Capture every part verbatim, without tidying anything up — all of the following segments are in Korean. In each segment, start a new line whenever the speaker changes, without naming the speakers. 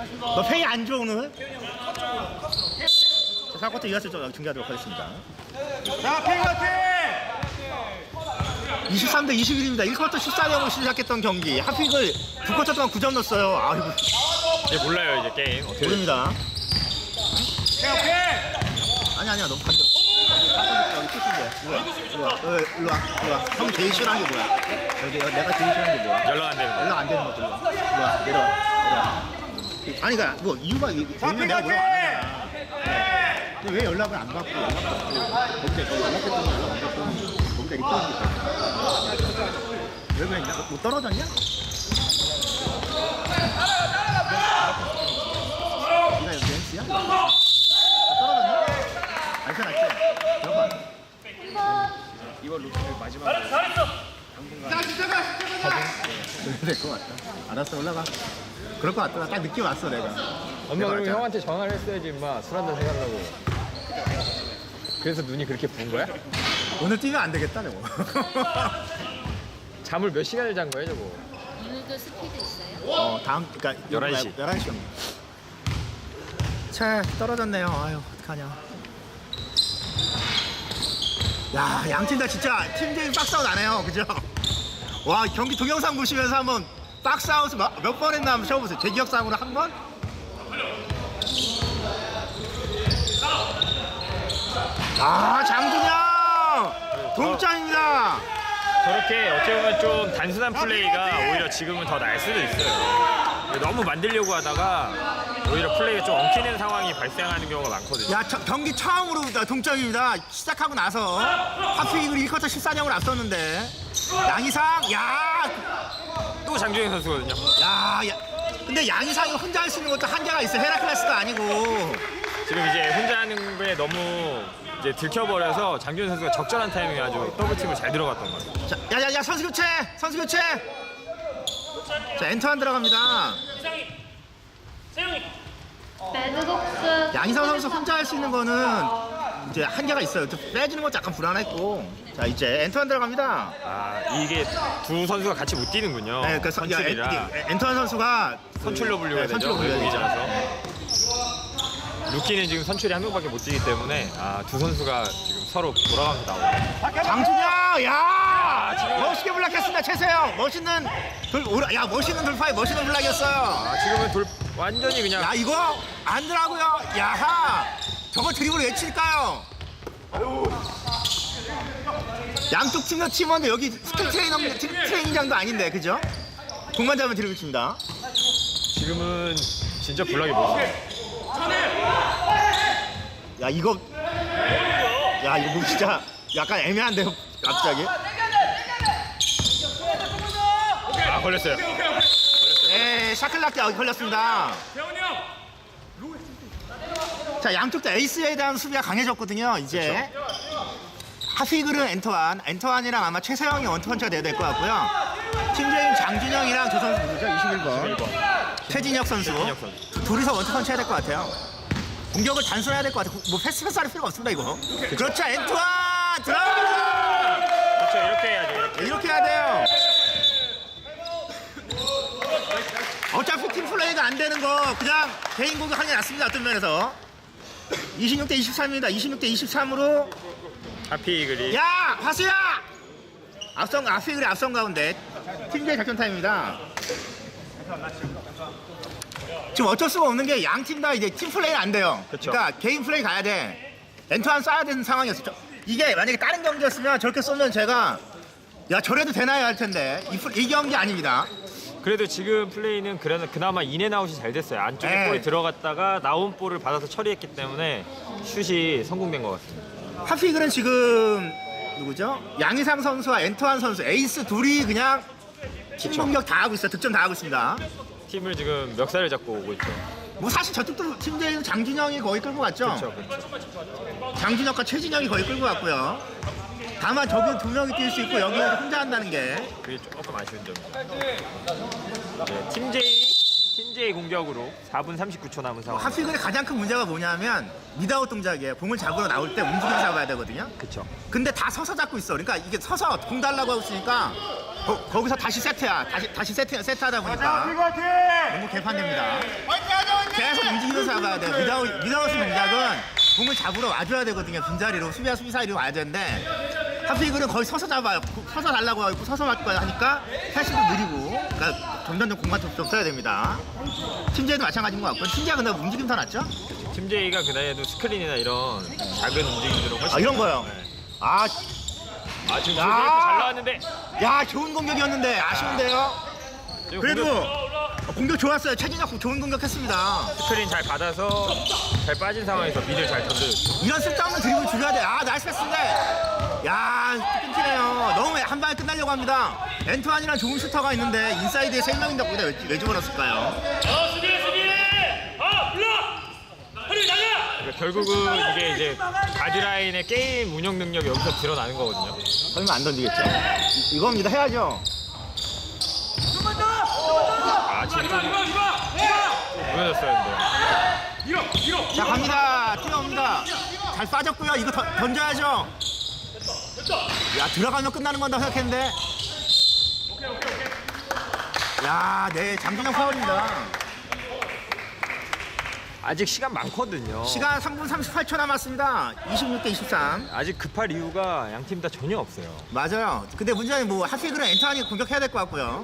너 페이 안 줘 오늘? 자, 사 쿼터 이어서 중계하도록 하겠습니다.
자, 페이 화이팅!
이십삼 대 이십일입니다. 일 쿼터 십사 점으로 시작했던 경기. 하픽을 두 쿼터 동안 구 점 넣었어요. 아이고.
이제 몰라요 이제 게임 어떻게
모릅니다.
오케이, 오케이!
아니 아니야 너무 간절. 여기 끝인데. 뭐야? 일로 와. 어, 일로 와. 일로 와. 형 제일 싫어하는 게 뭐야? 여기 여기 내가 제일 싫어하는 게 뭐야?
연락 안 되는 거.
연락 안 되는 것들. 일로 와. 일로 와. 내려와. 내려와. 아니 그러니까 뭐 이유가 왜냐면 내가 뭐라고 안 하잖아. 근데 왜 연락을 안 받고 연락 받고 거기다 연락했더니 연락 안 받고 거기다 리턴이 있다. 왜 그랬냐? 뭐 떨어졌냐? 네가 여기 엠씨야? 떨어졌냐? 알지 알지? 들어봐.
이번 루트를 마지막으로
자, 진짜가, 진짜가!
그래야 될 것 같다. 알았어 올라가. 그럴 것 같더라. 딱 느낌 왔어 내가.
엄마 그러면
맞아.
형한테 전화를 했어야지 임마 술 한잔 해달라고. 그래서 눈이 그렇게 부은 거야?
오늘 뛰면 안 되겠다 저거.
잠을 몇 시간을 잔 거야 저거?
오늘도 스피드 있어요?
어 다음 그러니까
열한 시.
열한 시. 차 떨어졌네요. 아유 어떡하냐. 야 양팀 다 진짜 팀제이 박스아웃 안 해요. 그죠? 와 경기 동영상 보시면서 한번 박스아웃 몇 번 했나 한번 쳐보세요. 제 기억상으로 한 번? 아 장준영 동점입니다.
저렇게 어떻게 보면 좀 단순한 플레이가 오히려 지금은 더 나을 수도 있어요. 너무 만들려고 하다가 오히려 플레이가 좀 엉키는 상황이 발생하는 경우가 많거든요.
야 저, 경기 처음으로 동점입니다. 시작하고 나서 하프이글 일 쿼터 십사 점을 앞섰는데 양이상 야
또 장준영 선수거든요.
야, 야, 근데 양이상이 혼자 할 수 있는 것도 한계가 있어. 헤라클레스가 아니고.
지금 이제 혼자 하는 거에 너무 이제 들켜버려서 장준영 선수가 적절한 타이밍에 아주 더블팀을 잘 들어갔던 것 같아요.
자, 야, 야, 야, 선수 교체, 선수 교체. 자, 엔터안 들어갑니다.
배드독스
양이상 선수 혼자 할 수 있는 거는 이제 한계가 있어요. 좀 빼주는 것도 약간 불안했고. 자, 이제 엔터안 들어갑니다.
아 이게 두 선수가 같이 못 뛰는군요.
네, 그 선- 야, 엔,
선출이라
엔- 엔터안 선수가
선출로 분류가
네,
되죠.
선출로 분류가 되죠.
외국인이라서. 루키는 지금 선출이 한 명밖에 못 뛰기 때문에 아, 두 선수가 지금 서로 돌아가면서 나오고.
장준영, 야, 멋있게 블락했습니다. 최세영, 멋있는 돌, 오라- 야, 멋있는 돌파에 멋있는 블락이었어요.
아, 지금은 돌 완전히 그냥
야 이거 안 더라고요. 야하 저거 드리블 왜 칠까요? 양쪽 팀도 팀원데 여기 스킬 트레이너 팀 트레이닝장도 아닌데 그죠? 공만 잡으면 드리블 칩니다.
지금은 진짜 블락이 멋있어요.
야 이거 야 이거 뭐 진짜 약간 애매한데요 갑자기.
아 걸렸어요.
네 샤클락게 걸렸습니다. 자 양쪽 다 에이스에 대한 수비가 강해졌거든요. 이제 하피글은 엔터완, 엔터완이랑 아마 최세영이 원투펀치가 돼야 될 것 같고요. 팀제인 장준영이랑 저 선수 누구죠? 이십일 번 최진혁 선수
최진혁 선수.
두- 둘이서 원투펀치 해야 될 것 같아요. 공격을 단순해야 될 것 같아요. 뭐 패스 패스 할 필요가 없습니다 이거. 그렇죠 엔터완 들어갑니다.
그렇죠 이렇게 해야죠. 이렇게.
이렇게 해야 돼요. 어차피 팀 플레이가 안 되는 거 그냥 개인 공격하는 게 낫습니다. 어떤 면에서 이십육 대 이십삼입니다. 이십육 대 이십삼으로
하피글이
야 화수야 앞선 아피글의 앞선 가운데 팀제의 작전 타임입니다. 지금 어쩔 수가 없는 게 양 팀 다 이제 팀 플레이는 안 돼요.
그쵸.
그러니까 개인 플레이 가야 돼. 엔터한 쏴야 되는 상황이었어요. 저- 이게 만약에 다른 경기였으면 저렇게 쏘면 제가 야 저래도 되나요 할 텐데 이, 플- 이 경기 아닙니다.
그래도 지금 플레이는 그래도 그나마 인앤아웃이 잘 됐어요. 안쪽에
네.
볼이 들어갔다가 나온 볼을 받아서 처리했기 때문에 슛이 성공된 것 같습니다.
하피글은 지금 누구죠? 양희상 선수와 엔터한 선수 에이스 둘이 그냥 팀 공격 다 하고 있어요. 득점 다 하고 있습니다.
팀을 지금 멱살을 잡고 오고 있죠.
뭐 사실 저쪽도 팀제에서 장준영이 거의 끌고 갔죠.
그렇죠, 그렇죠.
장준혁과 최진영이 거의 끌고 갔고요. 다만 저기 두 명이 뛸 수 있고 여기는 혼자 한다는 게
그게 조금 아쉬운 점이죠. 네, 팀제이 팀제이 공격으로 사 분 삼십구 초 남은 상황.
하피글의 가장 큰 문제가 뭐냐면 미드아웃 동작이에요. 공을 잡으러 나올 때 움직여 잡아야 되거든요.
그렇죠.
근데 다 서서 잡고 있어. 그러니까 이게 서서 공 달라고 하고 있으니까 거, 기서 다시 세트야. 다시 다시 세트 세트하다 보니까
화이팅!
너무 개판됩니다.
화이팅 하자!
잡아야 돼요. 미다우, 미다우스 동작은 공을 잡으러 와줘야 되거든요. 빈자리로 수비와 수비 사이로 와야 되는데 하피글은 거의 서서 잡아요. 서서 달라고 하고 서서 맞고 하니까 패스도 느리고 그러니까 점점 더 공간 좀 써야 됩니다. 팀제이도 마찬가지인 것 같고 팀제이가 근데 움직임 더 낫죠?
팀제이가 그 나이에도 스크린이나 이런 작은 움직임들은 훨씬
아 이런 거요.
네.
아,
아 지금
야.
조세이프 잘 나왔는데
야 좋은 공격이었는데 아쉬운데요.
지금
그래도
공격-
공격 좋았어요. 최진혁 좋은 공격했습니다.
스크린 잘 받아서 잘 빠진 상황에서 미들 잘 던져줬죠.
이런 쓸데없는 드리블 줄여야 돼. 아 나이스 패스인데 야 끊기네요. 너무 한 방에 끝나려고 합니다. 엔투안이랑 좋은 슈터가 있는데 인사이드에 세 명인 덕분에 왜, 왜 집어넣었을까요?
그러니까 결국은 이게 이제 가드라인의 게임 운영 능력이 여기서 드러나는 거거든요.
설마 안 던지겠죠? 이, 이겁니다. 해야죠.
아 지금 좀 무너졌어요 근데.
자 갑니다. 뛰어옵니다. 잘 빠졌고요. 이거 던, 던져야죠. 야 들어가면 끝나는 건다 생각했는데. 야, 네 장준영 파울입니다.
아직 시간 많거든요.
시간 삼 분 삼십팔 초 남았습니다. 이십육 대 이십삼.
아직 급할 이유가 양 팀 다 전혀 없어요.
맞아요. 근데 문제는 뭐 하필그는 엔터하니 공격해야 될 것 같고요.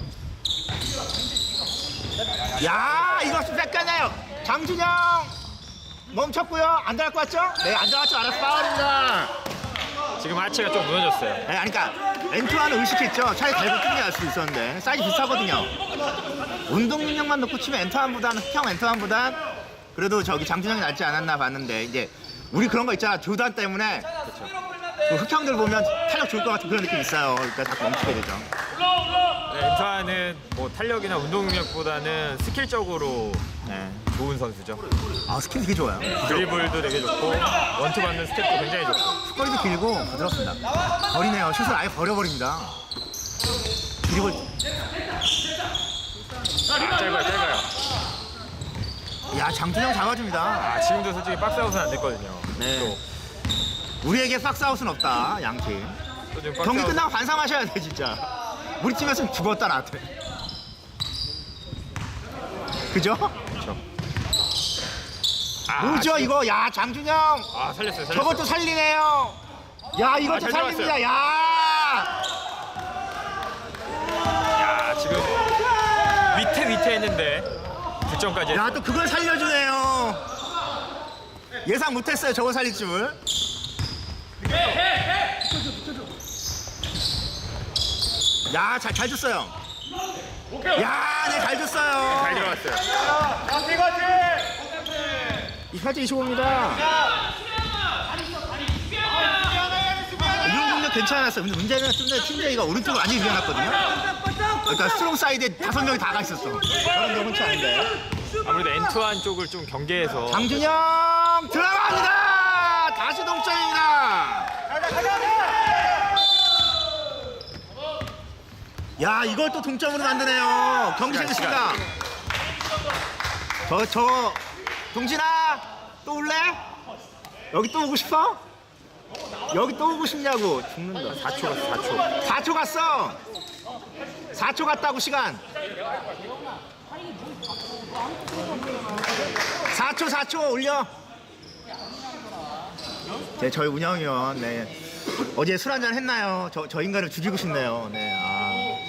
야, 이거 좀 뺏겨내요. 장준영 멈췄고요. 안 들어갈 것 같죠? 네, 안 들어갈 줄 알았어. 파울입니다.
지금 하체가 좀 무너졌어요.
네, 아니, 그러니까 엔투아는 의식했죠. 차라리 달고 뛰게 할 수 있었는데 사이즈 비슷하거든요. 운동 능력만 놓고 치면 엔투안보다는 흑형 엔투안보단 그래도 저기 장준영이 낫지 않았나 봤는데 이제 우리 그런 거 있잖아. 조단 때문에 그 흑형들 보면 탄력 좋을 것 같은 그런 느낌 있어요. 그러니까 자꾸 멈추게 되죠.
네, 엔터는 뭐 탄력이나 운동 능력보다는 스킬적으로
네.
좋은 선수죠.
아 스킨 되게 좋아요.
드리블도 되게 좋고 원투 받는 스텝도 굉장히 좋고.
거리도 길고 부드럽습니다. 버리네요. 슛을 아예 버려버립니다. 드리블.
아, 짧아요, 짧아요.
야 장준영 잡아줍니다.
아, 지금도 솔직히 박스아웃은 안 됐거든요.
네.
또,
우리에게 박스아웃은 없다. 양팀.
또 지금
경기
박스아웃-
끝나고 반성하셔야 돼 진짜. 우리 팀에서는 죽었다 나한테. 그죠?
그렇죠. 아,
뭐죠
지금-
이거? 야 장준영.
아, 살렸어요, 살렸어요.
저것도 살리네요. 야 이것도
아, 잘
살립니다.
들어갔어요.
야.
야, 지금 위태 위태 했는데 득점까지
야
했어요.
또 그걸 살려주네요. 예상 못했어요 저거 살릴 줄. 야, 잘, 잘 줬어요. 야, 네, 잘 줬어요.
잘 들어갔어요.
화이팅 화이팅!
이십팔 대 이십오입니다. 이런 공격 괜찮았어요. 근데 문제는 좀 전에 팀제이가 오른쪽을 많이 밀어놨거든요. 그러니까 스트롱 사이드에 다섯 명이 다 가 있었어. 그런 게 흔치 않은데.
아무래도 엔투안 쪽을 좀 경계해서
장준영 들어갑니다. 다시 동점입니다. 야, 이걸 또 동점으로 만드네요. 경기
시간,
재밌습니다. 저, 저, 동진아, 또 올래? 여기 또 오고 싶어? 여기 또 오고 싶냐고. 죽는다.
사 초 갔어, 사 초.
사 초 갔어. 사 초 갔다고 시간. 사 초, 사 초 올려. 네, 저희 운영위원, 네. 어제 술 한잔 했나요? 저, 저 인간을 죽이고 싶네요. 네, 아.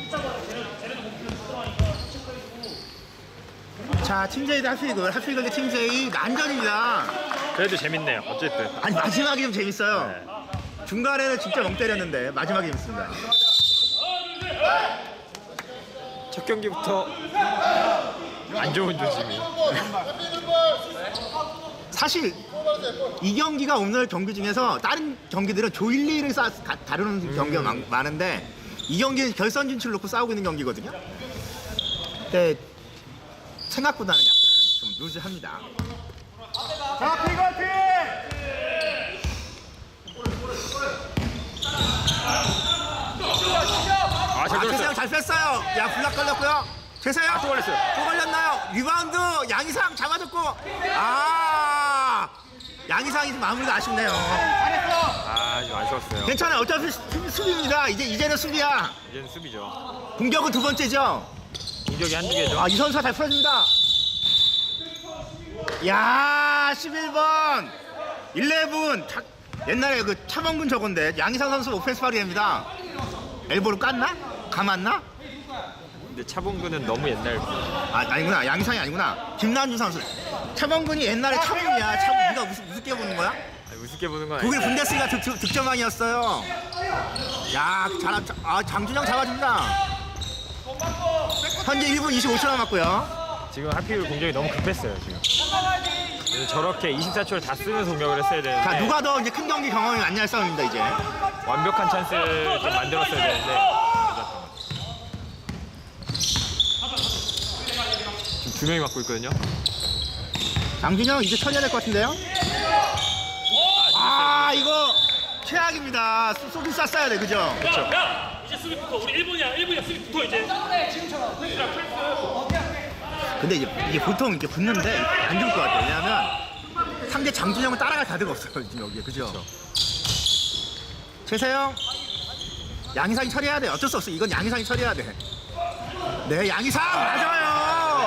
자, 팀제이도 하필글, 하필글 대 팀제이 난전입니다.
그래도 재밌네요. 어쨌든.
아니, 마지막이 좀 재밌어요.
네.
중간에는 진짜 멍 때렸는데, 마지막이 재밌습니다.
첫 경기부터 안 좋은 조짐이.
사실 이 경기가 오늘 경기 중에서 다른 경기들은 조일리를 싸, 가, 다루는
음.
경기가 많, 많은데 이 경기는 결선 진출 놓고 싸우고 있는 경기거든요. 근데 생각보다는 약간 좀 루즈합니다.
자, 화이팅 화이팅!
아, 잘
아,
들었어요.
최세영 잘 뺐어요. 야, 블락 걸렸고요. 최세영
아, 또 걸렸어요.
또 걸렸나요? 리바운드 양희상 잡아줬고 아 양희상이 좀 마무리가 아쉽네요.
아, 좀 아쉬웠어요.
괜찮아요. 어차피 수- 수비입니다. 이제 이제는 수비야.
이제는 수비죠.
공격은 두 번째죠.
공격이 한두 개죠.
아, 이 선수가 잘 풀어줍니다. 야, 십일 번. 십일. 다, 옛날에 그 차범근 저건데 양희상 선수 오펜스 파울입니다. 엘보로 깠나? 감았나?
근데 차범근은 너무 옛날.
아, 아니구나. 양희상이 아니구나. 김남준 선수. 차범근이 옛날에 차범이야. 차범 네가 무슨 우습게 보는 거야?
아니, 우습게 보는 건
독일
아니고.
분데스리가 득, 득, 득점왕이었어요. 야, 잘, 아, 장준영 잡아준다. 현재 일 분 이십오 초 남았고요.
지금 하필 공격이 너무 급했어요 지금. 그래서 저렇게 이십사 초를 다 쓰면서 공격을 했어야 되는데.
자, 누가 더 이제 큰 경기 경험이 많냐의 싸움입니다, 이제.
완벽한 찬스를 좀 만들었어야 되는데. 지금 두 명이 맞고 있거든요.
장준영 이제 처리해야 될 것 같은데요? 아, 이거 최악입니다. 쏘- 쏘긴 쐈어야 돼, 그죠?
야! 이제 수비 붙어. 우리 일 분이야. 일 분이야. 수비 붙어 이제.
근데 이제 이게 보통 이렇게 붙는데 안 좋을 것 같아요. 왜냐하면 상대 장준영은 따라갈 가드가 없어요, 지금 여기에, 그죠? 최세영, 양희상이 처리해야 돼. 어쩔 수 없어. 이건 양희상이 처리해야 돼. 네, 양희상 맞아요.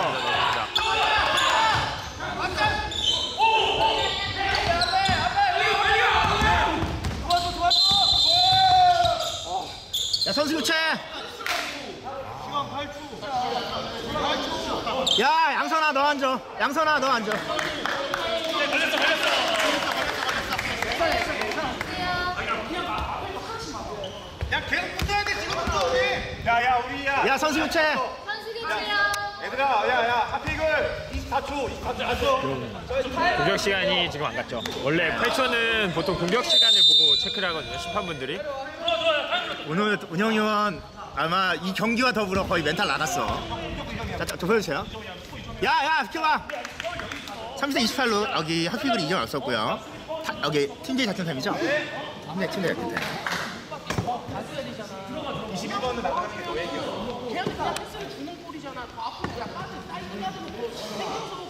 야, 선수 교체. 야, 양선아 너 앉아. 양선아 너 앉아.
야 계속 붙어야 돼 지금부터 우리. 야야 우리야.
야, 선수 교체.
선수 교체요.
얘들아 야야 하피글 이십사 초 이십사 초.
공격 시간이 지금 안 갔죠. 원래 팔 초는 보통 공격 시간을 보고 체크를 하거든요. 심판분들이.
오늘 운영 위원 아마 이 경기와 더불어 거의 멘탈 나갔어. 자, 자, 저 보여주세요. 야, 야, 비켜봐. 삼 대 이십팔로 여기 하피글이 이점 없었고요. 타, 여기 팀제이 작전 타임이죠? 네, 팀제이 작전 타임.
이십일 번은 나가는 게 더 얘기야.
걔한테 그냥 패스를 주는 꼴이잖아. 더 앞으로 그냥 빠져. 사이드 가드는 땡겨서